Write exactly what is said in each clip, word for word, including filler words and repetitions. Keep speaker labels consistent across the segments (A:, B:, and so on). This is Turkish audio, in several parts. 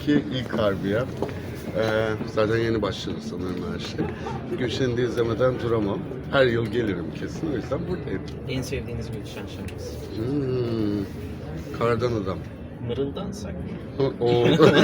A: ki ilk harbiyem. Ee, zaten yeni başladı sanırım her şey. Gülşen'i de izlemeden duramam. Her yıl gelirim kesin, o yüzden buradayım.
B: En sevdiğiniz Gülşen şarkısı?
A: Hmm, Kardan Adam.
B: Mırıldansak mı?
A: O.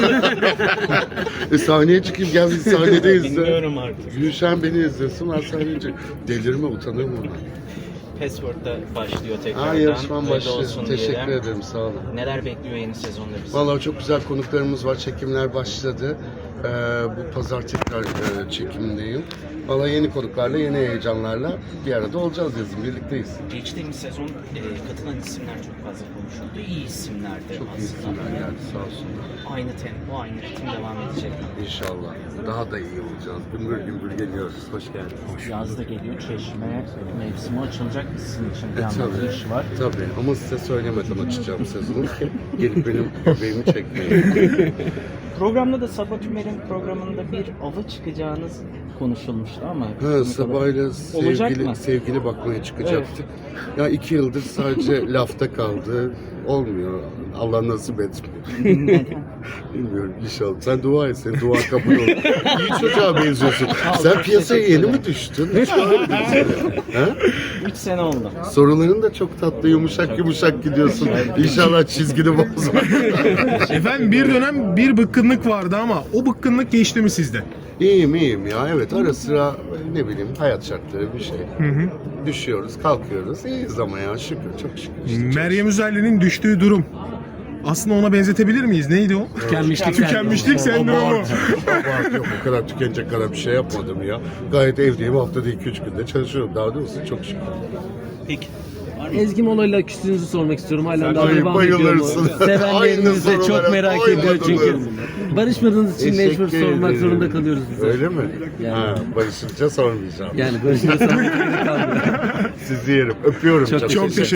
A: e, sahneye çıkayım, gel biz sahnede izle.
B: Bilmiyorum artık.
A: Gülşen beni izlesin, ben sahneye çıkayım. Delirme, utanırım ona.
B: Password'da başlıyor tekrardan.
A: Ha, yarışmam
B: Öyle
A: başlıyor.
B: olsun
A: Teşekkür
B: diyelim.
A: ederim, sağ olun.
B: Neler bekliyor yeni sezonda bizi?
A: Vallahi çok güzel konuklarımız var, çekimler başladı. Ee, bu pazar tekrar e, çekimdeyim. Vallahi yeni konuklarla, yeni heyecanlarla bir arada olacağız yazın, birlikteyiz.
B: Geçtiğimiz sezon e, katılan isimler çok fazla konuşuldu. İyi isimlerdi
A: Çok iyi
B: aslında.
A: isimler geldi, sağ olsunlar.
B: Aynı tempo, aynı ritim devam edecek.
A: İnşallah. Daha da iyi olacağız. Gümbür gümbür geliyoruz. Hoş geldiniz.
C: Yaz da geliyor, Çeşme mevsimi açılacak sizin için bir
A: E,
C: yandan
A: tabii,
C: iş var.
A: tabii. Ama size söylemeden açacağım sezonu. Gelip benim göbeğimi çekmeyin.
B: Programda da Sabah Tümer'in programında bir ava çıkacağınız konuşulmuştu ama...
A: Ha, Sabah'la
B: Olacak
A: sevgili,
B: mı?
A: sevgili bakmaya çıkacaktık. Ya iki yıldır sadece lafta kaldı. Olmuyor. Allah nasip etmiyor. Bilmiyorum, inşallah. Sen dua et, senin dua kabul olur. İyi çocuğa benziyorsun. Sen piyasaya yeni mi düştün? Ha?
B: üç sene oldu.
A: Soruların da çok tatlı, yumuşak yumuşak gidiyorsun. İnşallah çizgini bozma.
D: Efendim bir dönem bir bıkkınlık vardı ama o bıkkınlık geçti mi sizde?
A: İyiyim iyiyim ya. Evet, ara sıra ne bileyim hayat şartları bir şey. Düşüyoruz, kalkıyoruz. İyiyiz ama ya, şükür, çok şükür. İşte çok
D: Meryem Üzerli'nin düştüğü durum. Aslında ona benzetebilir miyiz? Neydi o?
C: Tükenmişlik
D: Tükenmişlik sendromu.
A: Abart, abart yok, o kadar tükenecek kadar bir şey yapmadım ya. Gayet evdeyim, haftada iki üç günde çalışıyorum. Daha doğrusu çok şükür.
B: Peki.
E: Ezgi Mola'yla küstüğünüzü sormak istiyorum. Hala daha
A: Ay,
E: devam ediyor mu?
A: bayılırsın.
E: Sevenleriniz de
A: Aynı
E: çok merak
A: sorulara
E: ediyor çünkü.
A: bayılırım.
E: Barışmadığınız için mecbur
A: Teşekkür
E: sormak
A: ederim.
E: zorunda kalıyoruz biz. de.
A: Öyle mi?
E: Yani.
A: Ha, barışınca sormayacağım.
E: Yani barışma sormak zorunda kalmıyor.
A: Sizi yerim. Öpüyorum.
E: Çok
A: çok
D: Çok teşekkür